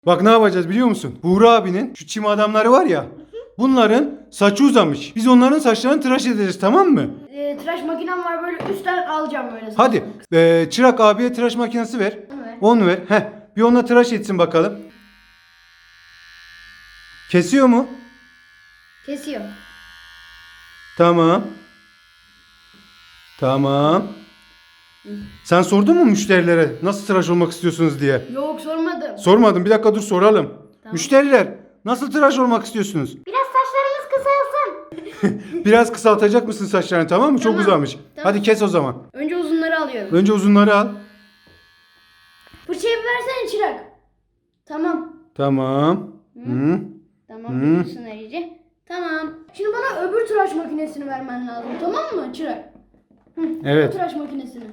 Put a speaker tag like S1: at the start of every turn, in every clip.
S1: Bak ne yapacağız biliyor musun? Buğra abinin şu çim adamları var ya. Bunların saçı uzamış. Biz onların saçlarını tıraş edeceğiz, tamam mı?
S2: Tıraş makinem var, böyle üstten alacağım böyle.
S1: Hadi Çırak abiye tıraş makinesi ver.
S2: Onu ver.
S1: Onu ver. Heh, bir onunla tıraş etsin bakalım. Kesiyor mu?
S2: Kesiyor.
S1: Tamam. Tamam. Sen sordun mu müşterilere nasıl tıraş olmak istiyorsunuz diye?
S2: Yok, sormadım.
S1: Sormadım. Bir dakika dur soralım.
S2: Tamam.
S1: Müşteriler nasıl tıraş olmak istiyorsunuz?
S2: Biraz saçlarımız kısalsın.
S1: Biraz kısaltacak mısın saçlarını, tamam mı? Çok
S2: Tamam.
S1: uzamış.
S2: Tamam.
S1: Hadi kes o zaman.
S2: Önce uzunları alıyorum.
S1: Önce uzunları al.
S2: Fırçayı bir versene Çırak. Tamam.
S1: Tamam. Hı.
S2: Tamam,
S1: Hı.
S2: bitsin iyice. Tamam. Şimdi bana öbür tıraş makinesini vermen lazım. Tamam mı Çırak?
S1: Evet.
S2: O tıraş makinesini.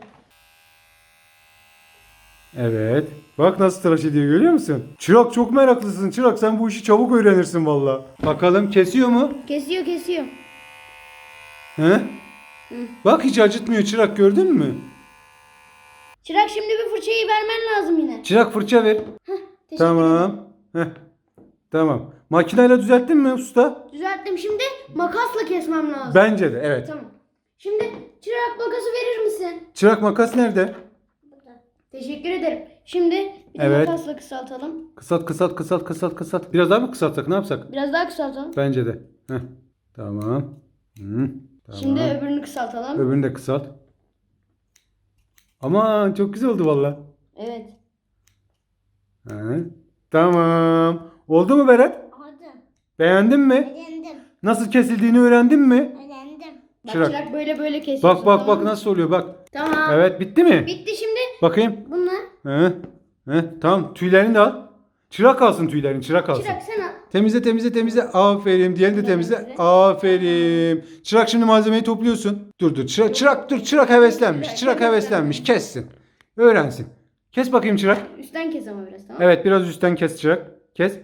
S1: Evet. Bak nasıl tıraş ediyor, görüyor musun? Çırak çok meraklısın. Çırak sen bu işi çabuk öğrenirsin valla. Bakalım kesiyor mu?
S2: Kesiyor, kesiyor.
S1: He? Bak hiç acıtmıyor Çırak, gördün mü?
S2: Çırak, şimdi bir fırçayı vermen lazım yine.
S1: Çırak fırça ver.
S2: Teşekkür ederim.
S1: Tamam. Heh. Tamam. Makineyle düzelttin mi usta?
S2: Düzelttim, şimdi makasla kesmem lazım.
S1: Bence de evet.
S2: Tamam. Şimdi Çırak, makası verir misin?
S1: Çırak makas nerede?
S2: Teşekkür ederim. Şimdi bir de
S1: Evet.
S2: makasla kısaltalım.
S1: Kısalt. Biraz daha mı kısaltsak, ne yapsak?
S2: Biraz daha kısaltalım.
S1: Bence de. Heh. Tamam. Hı. Tamam.
S2: Şimdi öbürünü kısaltalım.
S1: Öbürünü de kısalt. Aman çok güzel oldu valla.
S2: Evet.
S1: He. Tamam. Oldu mu Berat?
S3: Oldu.
S1: Beğendin mi?
S3: Öğrendim.
S1: Nasıl kesildiğini öğrendin mi?
S3: Öğrendim.
S2: Bak
S1: Çırak.
S2: Çırak, böyle kesiyorsun.
S1: Bak
S2: tamam mı?
S1: nasıl oluyor bak.
S2: Tamam.
S1: Evet, bitti mi?
S2: Bitti şimdi.
S1: Bakayım.
S2: Bunlar.
S1: He. He. Tamam, tüylerini de al. Çırak alsın tüylerini, çırak alsın.
S2: Çırak sen al.
S1: Temizle. Aferin. Diğerini de temizle.
S2: Temizle.
S1: Aferin. Çırak şimdi malzemeyi topluyorsun. Dur. Çırak heveslenmiş. Çırak heveslenmiş. Kessin. Öğrensin. Kes bakayım Çırak.
S2: Üstten kes ama biraz, tamam.
S1: Evet, biraz üstten kes Çırak. Kes.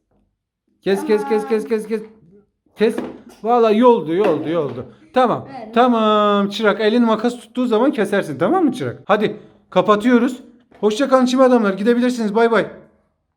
S1: Kes. Vallahi yoldu. Tamam.
S2: Evet.
S1: Tamam Çırak, elin makas tuttuğu zaman kesersin, tamam mı Çırak? Hadi kapatıyoruz. Hoşça kalın çim adamlar. Gidebilirsiniz. Bay bay.